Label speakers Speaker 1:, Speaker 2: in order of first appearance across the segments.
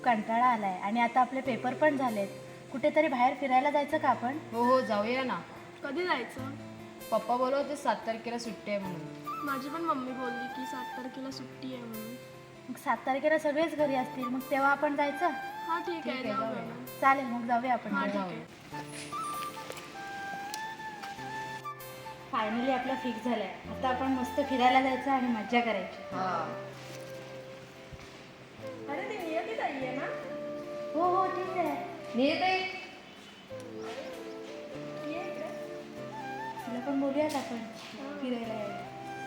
Speaker 1: कंटाळा आलाय आणि आता आपले पेपर पण झालेत. कुठेतरी बाहेर फिरायला जायचं का आपण?
Speaker 2: हो हो जाऊया ना.
Speaker 3: कधी जायचं?
Speaker 2: पप्पा बोलत होते 7 तारखेला सुट्टी आहे म्हणून.
Speaker 3: माझी पण मम्मी बोलली की 7 तारखेला सुट्टी आहे म्हणून.
Speaker 1: मग 7 तारखेला सगळेच घरी असतील, मग तेव्हा आपण जायचं.
Speaker 3: हा ठीक आहे, जाऊया ना.
Speaker 1: चालेल, मग जाऊया आपण.
Speaker 3: हा ठीक
Speaker 2: जाऊया.
Speaker 3: आहे.
Speaker 1: फायनली आपला फिक्स झालाय. आता आपण मस्त फिरायला जायचं आणि मज्जा करायची.
Speaker 2: हा
Speaker 3: अरे ती नियती ताई आहे ना?
Speaker 1: हो हो ठीक आहे.
Speaker 2: नियते
Speaker 3: ये इकडे.
Speaker 1: तुला पण बोलूयात आपण फिरायला यायला.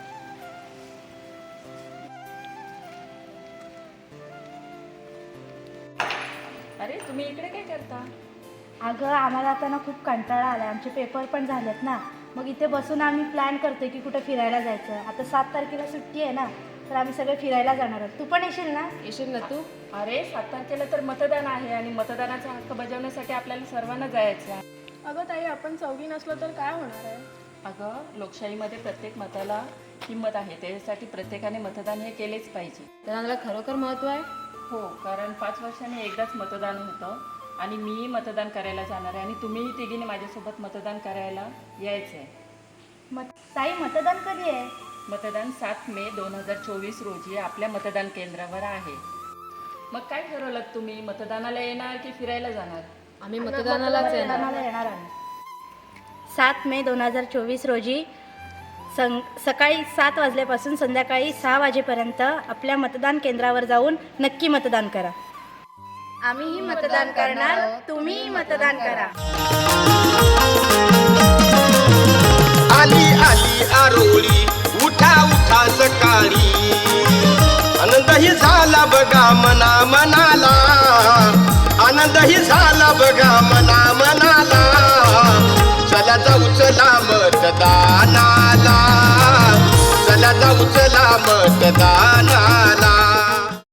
Speaker 2: अरे तुम्ही इकडे काय करता?
Speaker 1: अगं आम्हाला आता ना खूप कंटाळा आला. आमचे पेपर पण झालेत ना, मग इथे बसून आम्ही प्लॅन करतोय की कुठे फिरायला जायचं. आता 7 तारखेला सुट्टी आहे ना, तर आम्ही सगळे फिरायला जाणार आहोत. तू पण येशील ना?
Speaker 2: येशील ना तू? अरे 7 तारखेला तर मतदान आहे आणि मतदानाचा हक्क बजावण्यासाठी आपल्याला सर्वांना जायचं आहे.
Speaker 3: अगं ताई, आपण चौघी नसलो तर काय होणार आहे?
Speaker 2: अगं लोकशाहीमध्ये प्रत्येक मताला किंमत आहे, त्याच्यासाठी प्रत्येकाने मतदान हे केलेच पाहिजे. मतदानाला खरोखर महत्त्व आहे. हो, कारण 5 वर्षांनी एकदाच मतदान होतं आणि मी मतदान करायला जाणार आहे आणि तुम्हीही तिघीने माझ्यासोबत मतदान करायला यायचं आहे.
Speaker 1: ताई, मतदान कधी आहे?
Speaker 2: मतदान 7 मे 2024 रोजी आपल्या मतदान केंद्रावर आहे. मग काय ठरवलं तुम्ही? मतदानाला येणार की फिरायला जाणार? आम्ही
Speaker 1: मतदानाला येणार आम्ही. 7 मे 2024 रोजी सकाळी 7 वाजल्यापासून संध्याकाळी 6 वाजेपर्यंत आपल्या मतदान केंद्रावर जाऊन नक्की मतदान करा. आम्हीही मतदान करणार, तुम्हीही मतदान करा.
Speaker 4: आली आली आरोळी, उठा उठा सकाळी, आनंदही झाला बघा मना मनाला, आनंदही झाला बघा मना मनाला. चला जाऊ चला मतदानाला, चला जाऊ चला मतदानाला.